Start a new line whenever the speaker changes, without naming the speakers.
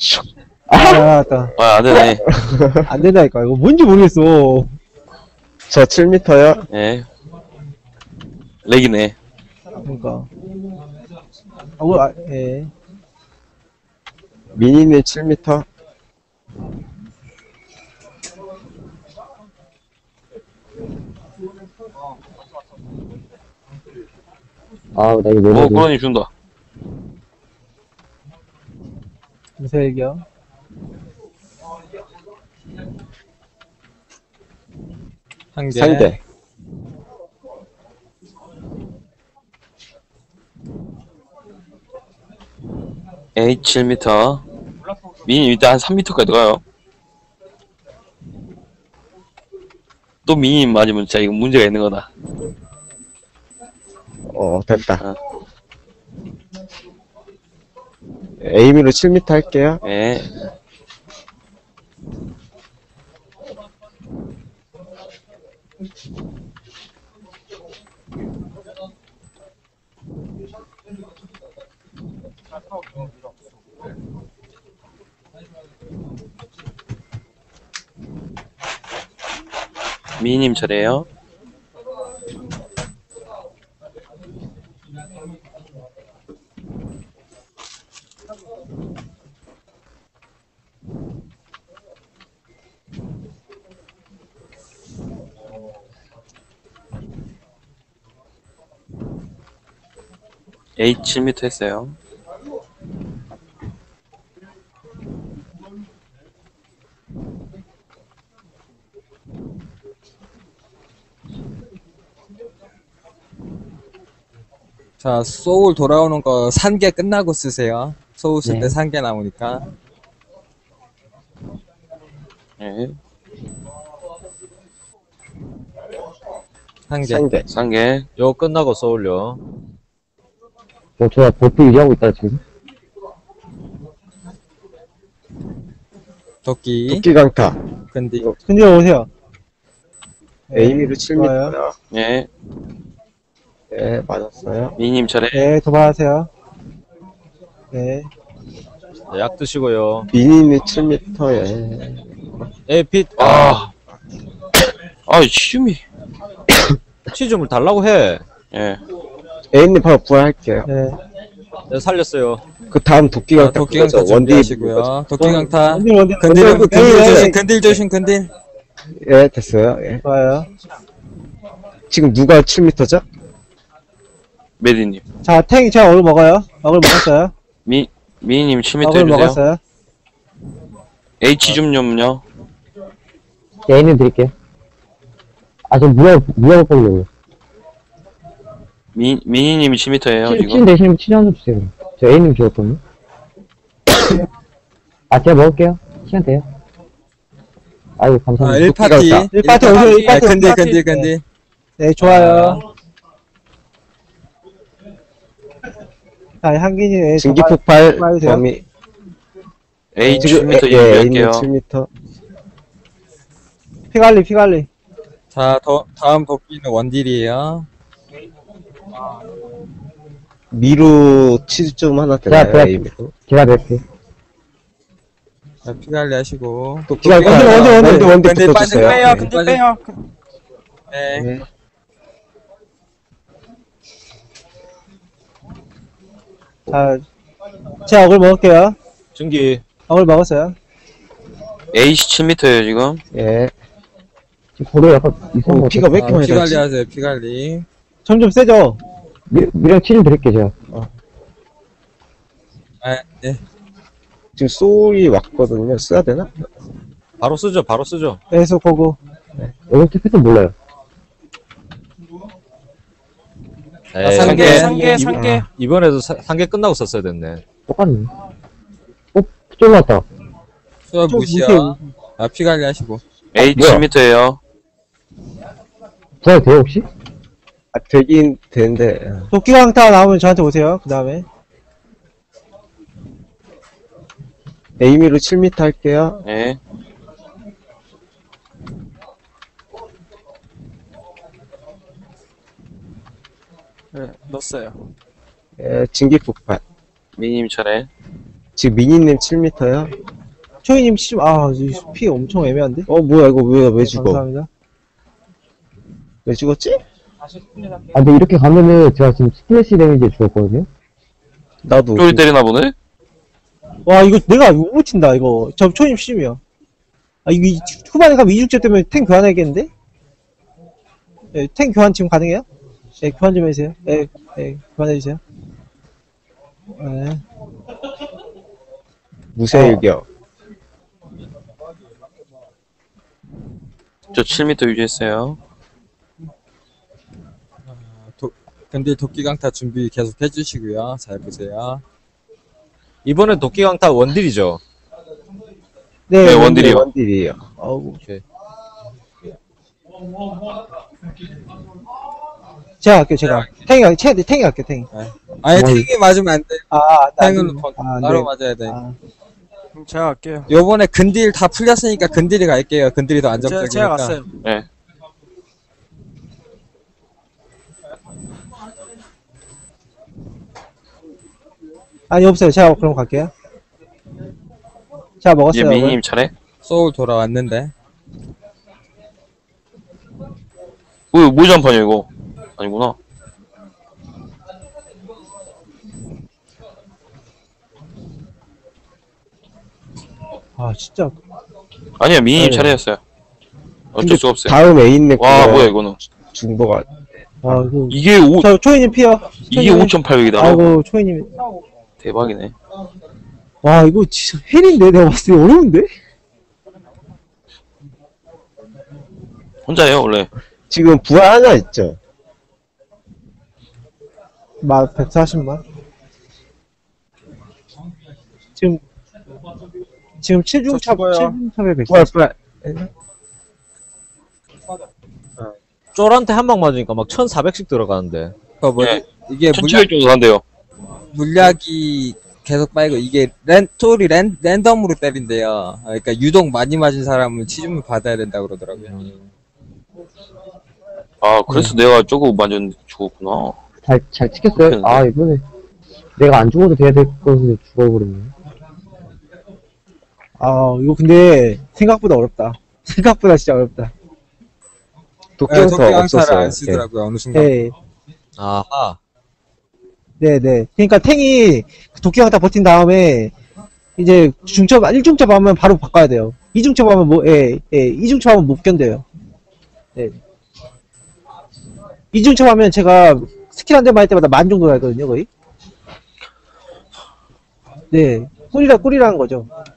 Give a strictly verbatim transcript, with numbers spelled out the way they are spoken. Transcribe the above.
아, 나왔다.
아, 안 되네.
안 된다니까. 이거 뭔지 모르겠어.
저 칠 미터요.
예. 렉이네.
그러니까. 아, 뭐, 아, 예.
미니님 칠 미터.
아, 나 이거
오,
왜
꾸러니 준다.
무슨 얘기야?
한 개.
상대.
에이, 칠 미터. 미니 일단 한 삼 미터까지 가요. 또 미니 맞으면 진짜 이거 문제가 있는 거다.
어, 됐다.
아.
에이미로 칠 미터 할게요.
예. 미니님 차례예요. 에이, 칠 미터 했어요.
자, 소울 돌아오는 거 산개 끝나고 쓰세요. 소울 쓸 때
네.
산개 나오니까.
예.
한 개.
상대.
상계.
요 끝나고 쏘올려.
어, 저 버프 유지하고 있다, 지금.
도끼.
도끼 강타.
근디.
근데 오세요.
에이미로 칠 미터요.
좋아요.
예.
네, 맞았어요.
미니님 차례.
네, 도발하세요. 네.
약 드시고요.
미니님 칠 미터, 예.
에, 빛.
아. 아, 시음이.
치즈물 달라고 해.
예.
에이님 바로 부활할게요.
네.
내가 살렸어요.
그 다음 도끼
자,
강타.
도끼 강타
그거죠. 원딜.
준비하시고요. 도끼 강타.
원딜, 원딜,
근딜,
원딜,
근딜
원딜,
조심,
원딜.
근딜 조심, 근딜.
예, 됐어요. 예.
좋아요.
지금 누가 칠 미터죠?
메디님.
자, 탱, 제가 얼굴 먹어요. 얼굴 먹었어요.
미, 미니님 칠 미터
얼굴
해주세요.
먹었어요.
H 좀요.
에이님 드릴게요. 아, 저 무야, 무야 보려고요.
미, 미니님이 칠 미터예요,
칠, 칠
지금.
대신에 칠 한 점 주세요. 저 에이님 주었거든요. 아, 제가 먹을게요. 시간 돼요. 아이고,
아,
감사합니다.
일 파티.
강타.
일 파티 오세요, 일
아,
파티.
근딜,
일 파티.
근딜, 근딜.
네, 좋아요. 자, 향기님, 예,
증기
도발-
폭발
도발해주세요.
범위.
A 칠 미터
예, 에이님
준비할게요.
칠 미터.
피갈리, 피갈리.
자, 더, 다음 도끼는 원딜이에요.
미루 치즈 좀 하나
제가,
되나요?
제가,
에이미로.
제가 낼게요.
자, 피관리 하시고.
도끼 강타.
원딜, 원딜, 원딜.
원딜, 원딜
근딜 빠져,
붙어주세요.
빼요,
예.
근딜 빼요. 네.
네.
자, 제가 얼굴 먹을게요.
증기.
얼굴 먹었어요.
A 칠 미터예요, 지금.
예.
지금 고려 약간 이상한
오,
거
피가 왜 이렇게
아,
많이
피관리
나지?
하세요, 피관리.
점점 세죠?
미, 미랑 칠 드릴게요, 제가.
아, 네.
지금 소울이 왔거든요. 써야 되나?
바로 쓰죠, 바로 쓰죠.
계속 보고.
여기 택배도 몰라요.
에이,
상계,
상계,
상계. 이번에도 사, 상계 끝나고 썼어야 됐네.
똑같네. 어, 쫄 왔다.
수업
좀
무시야.
무시해요.
아, 피관리 하시고.
A 칠 미터예요.
부활 돼요, 혹시?
아, 되긴 되는데.
도끼 강타 나오면 저한테 오세요. 그 다음에.
에이미로 칠 미터 할게요.
예.
네, 넣었어요.
예, 증기 폭발.
미니님 차례.
지금 미니님 칠 미터요?
초이님 칠, 아, 이 피 엄청 애매한데?
어, 뭐야, 이거 왜, 왜 죽어?
감사합니다.
왜 죽었지?
아, 근데 이렇게 가면은 제가 지금 스플래시 데미지에 죽었거든요?
나도.
쪼리 때리나 보네?
와, 이거 내가 못 붙인다, 이거. 저 초이님 십이야. 아, 이거 이- 후반에 가면 이중제 때문에 탱 교환해야겠는데? 예, 탱 교환 지금 가능해요? 예, 교환 좀 해주세요. 예, 예, 교환해주세요. 예.
무쇠일격.
저 칠 미터 유지했어요.
도, 근데 도끼 강타 준비 계속 해주시고요. 잘 보세요.
이번에 도끼 강타 원딜이죠.
네,
네, 원딜이요.
원딜이에요.
어우.
오케이.
제가 할게요, 제가. 탱이, 할- 탱이, 탱이 할게요, 탱이.
아니,
어,
탱이 맞으면 안 돼.
아, 아, 나
탱은
안 돼. 아,
따로
네.
맞아야 돼.
아,
그럼 제가 할게요.
요번에 근딜 다 풀렸으니까 근딜이 갈게요. 근딜이 더
제가,
안정적이니까.
제가 갔어요.
네.
아니, 없어요. 제가 그럼 갈게요. 제가
이제
먹었어요.
미니님 차례.
소울 돌아왔는데.
뭐, 모전판이야, 이거. 아니구나.
아, 진짜.
아니야, 미니님
네.
차례였어요. 어쩔
근데
수가 없어요.
다음 애인네
와, 뭐야, 이거는.
중보가.
아, 이거.
이게 오,
저, 초이님 피어.
이게 오천팔백이다.
아이고, 초이님.
대박이네.
와, 이거 진짜 헬인데? 내가 봤을 때 어려운데?
혼자예요, 원래.
지금 부하 하나 있죠?
마, 백사십만. 지금, 지금 칠 중 차,
저 죽어요.
칠 중 차에
부하,
백사십.
부하.
쫄한테 한 방 맞으니까 막 천사백씩 들어가는데.
그 뭐지?
네.
이게 물약,
천칠백 정도 한대요.
물약이 계속 빠이고, 이게 랜, 소울이 랜, 랜덤으로 때린대요. 그러니까 유독 많이 맞은 사람은 치즈물 받아야 된다고 그러더라고요.
아, 그래서 내가 저거 완전 죽었구나.
잘, 잘 찍혔어요?
그렇겠는데?
아, 이번에 내가 안 죽어도 돼야 될 것을 죽어버렸네.
아, 이거 근데 생각보다 어렵다. 생각보다 진짜 어렵다.
네,
독경서
도끼 강타를
없었어요.
안 쓰더라고요, 어느 순간.
네,
아하.
네, 네. 그러니까 탱이 도끼가 다 버틴 다음에 이제 중첩, 일 중첩 하면 바로 바꿔야 돼요. 이 중첩 하면 뭐, 예, 예, 이 중첩 하면 못 견뎌요. 네. 이 중첩 하면 제가 스킬 한 대만 할 때마다 만 정도 나거든요, 거의. 네. 꿀이라, 꿀이라는 거죠.